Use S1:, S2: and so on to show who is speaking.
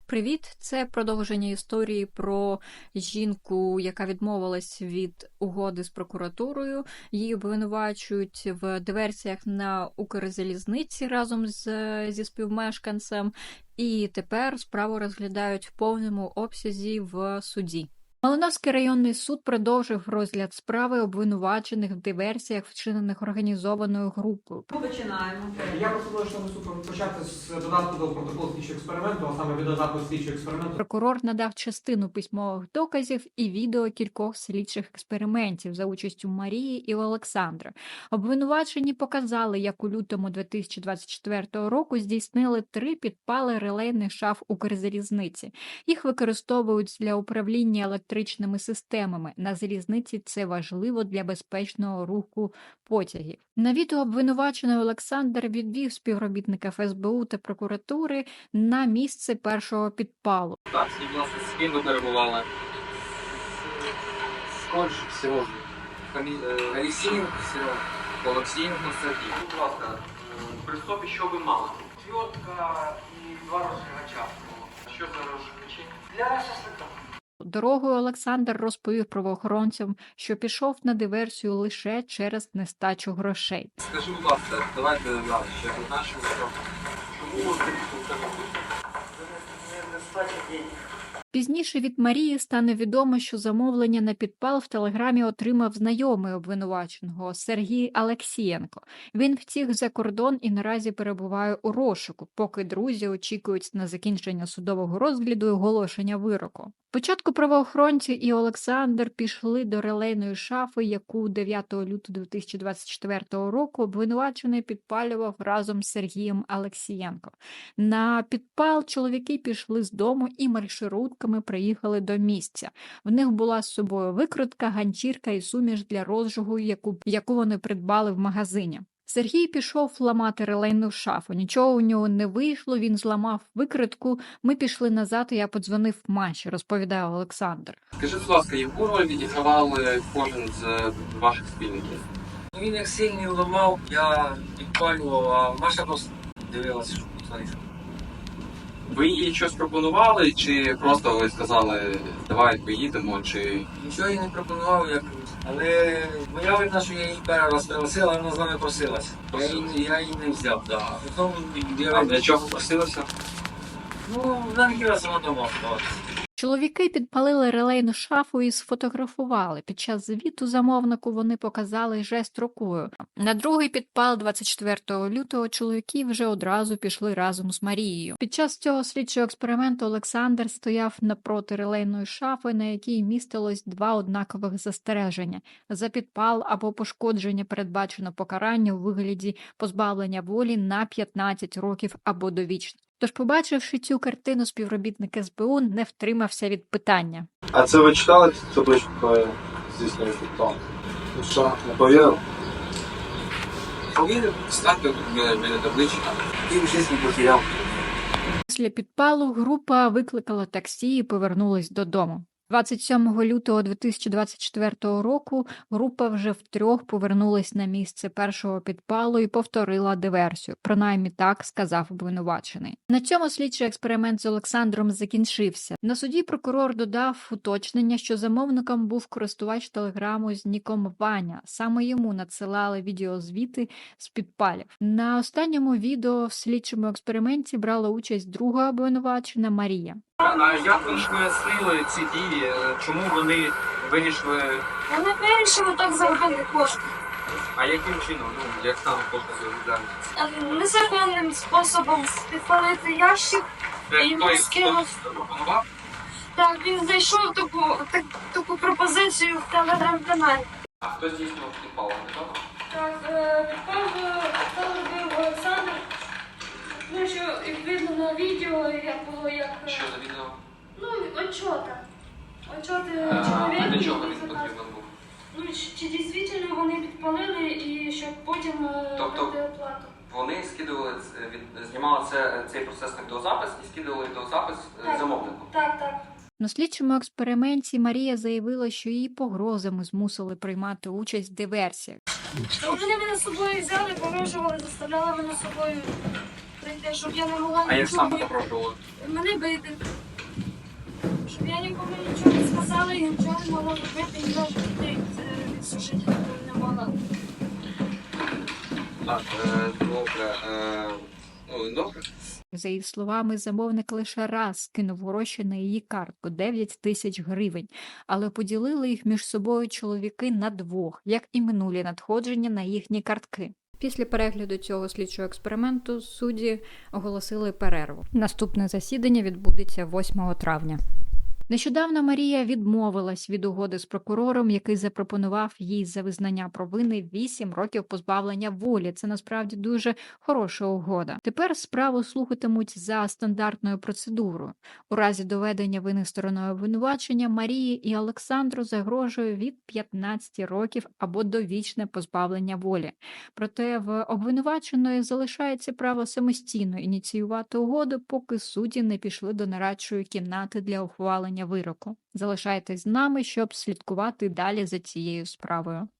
S1: Привіт! Це продовження історії про жінку, яка відмовилась від угоди з прокуратурою. Її обвинувачують в диверсіях на Укрзалізниці разом зі співмешканцем. І тепер справу розглядають в повному обсязі в суді. Малиновський районний суд продовжив розгляд справи обвинувачених в диверсіях, вчинених організованою групою.
S2: Ми починаємо.
S3: Я пропоную, що ми суд почати з додатку до протоколу слідчого експерименту, а саме від додатку слідчого експерименту.
S1: Прокурор надав частину письмових доказів і відео кількох слідчих експериментів за участю Марії і Олександра. Обвинувачені показали, як у лютому 2024 року здійснили 3 підпали релейних шаф Укрзалізниці. Їх використовують для управління електричними системами. На залізниці це важливо для безпечного руху потягів. На відео обвинувачений Олександр відвів співробітника ФСБУ та прокуратури на місце першого підпалу.
S4: Так, скажіть, будь ласка, з ким ви перебували? Сколько всього? Олексієнко, Серега. Олексієнко, Сергій. Будь ласка, при собі що ви мали?
S3: Отвертка і 2 розжигача.
S4: Що за розжигачі?
S3: Для шашлика.
S1: Дорогою Олександр розповів правоохоронцям, що пішов на диверсію лише через нестачу грошей.
S4: Скажи, будь ласка, давайте далі, ще одна, що чому ви прийшли?
S3: Нестача денег.
S1: Пізніше від Марії стане відомо, що замовлення на підпал в телеграмі отримав знайомий обвинуваченого Сергій Алексієнко. Він втік за кордон і наразі перебуває у розшуку, поки друзі очікують на закінчення судового розгляду і оголошення вироку. Спочатку правоохоронці і Олександр пішли до релейної шафи, яку 9 лютого 2024 року обвинувачений підпалював разом з Сергієм Алексієнко. На підпал чоловіки пішли з дому і маршрутками приїхали до місця. В них була з собою викрутка, ганчірка і суміш для розжигу, яку вони придбали в магазині. Сергій пішов ламати релейну шафу. Нічого у нього не вийшло, він зламав викритку. Ми пішли назад, і я подзвонив Маші, розповідає Олександр.
S4: Скажи, будь ласка, яку роль відігравали кожен з ваших спільників?
S5: Він як сильний ламав, я підпалював, а Маша просто дивилася, що твориться.
S4: Ви їй щось пропонували, чи просто ви сказали, давай поїдемо, чи...
S5: Нічого їй не пропонував, але моя вина, що я її перший раз пригласила, вона з нами просилась. Я її не взяв, да.
S4: А для чого просилися?
S5: Ну, вона не хотіла сама дома оставатися.
S1: Чоловіки підпалили релейну шафу і сфотографували. Під час звіту замовнику вони показали жест рукою. На другий підпал 24 лютого чоловіки вже одразу пішли разом з Марією. Під час цього слідчого експерименту Олександр стояв напроти релейної шафи, на якій містилось 2 однакових застереження. За підпал або пошкодження передбачено покарання у вигляді позбавлення волі на 15 років або довічно. Тож, побачивши цю картину, співробітник СБУ не втримався від питання.
S6: А це ви читали цю табличку про здійснення підпалу? Ну що, не повірив?
S4: Повірив, станьте біля таблички.
S5: Він щось не потеряв.
S1: Після підпалу група викликала таксі і повернулась додому. 27 лютого 2024 року група вже втрьох повернулась на місце першого підпалу і повторила диверсію. Принаймні так сказав обвинувачений. На цьому слідчий експеримент з Олександром закінчився. На суді прокурор додав уточнення, що замовником був користувач телеграму з ніком Ваня. Саме йому надсилали відеозвіти з підпалів. На останньому відео в слідчому експерименті брала участь друга обвинувачена Марія.
S4: А як ви ж пояснили ці дії? Чому вони вирішили?
S7: Вони вирішили так заробити кошти.
S4: А яким чином? Ну, як саме кошти заробляють?
S7: Незаконним способом підпалити ящик і йому скинув.
S4: Пропонував?
S7: Так, він знайшов таку пропозицію в телеграм-каналі.
S4: А хто здійснював підпал?
S7: Так, підпал робив Олександр. Ну, що, як видно на відео, як було як...
S4: Що за відео?
S7: Ну, отчота. Отчоти
S4: А
S7: чоловіка.
S4: для чого він потрібен був?
S7: Ну, чи дійсно вони підпалили і щоб потім
S4: Тобто-
S7: дати оплату.
S4: Вони скидували, знімали цей процес на відеозапис і скидували відеозапис
S7: Так.
S4: замовнику.
S7: Так.
S1: На слідчому експерименті Марія заявила, що її погрозами змусили приймати участь в диверсіях.
S7: Вони мене з собою взяли, погрожували, заставляли мене з собою прийти, щоб я не могла
S4: А я сам
S7: нічого,
S4: попробовал.
S7: мене бити. Щоб я нікому нічого не сказала і нічого не могла робити, і навіть дітей відсушити не могла.
S4: Так, добре. Ну, добре.
S1: За її словами, замовник лише раз кинув гроші на її картку – 9 тисяч гривень, але поділили їх між собою чоловіки на двох, як і минулі надходження на їхні картки. Після перегляду цього слідчого експерименту судді оголосили перерву. Наступне засідання відбудеться 8 травня. Нещодавно Марія відмовилась від угоди з прокурором, який запропонував їй за визнання провини 8 років позбавлення волі. Це насправді дуже хороша угода. Тепер справу слухатимуть за стандартною процедурою. У разі доведення вини стороною обвинувачення Марії і Олександру загрожує від 15 років або довічне позбавлення волі. Проте в обвинуваченої залишається право самостійно ініціювати угоду, поки судді не пішли до нарадчої кімнати для ухвалення вироку. Залишайтесь з нами, щоб слідкувати далі за цією справою.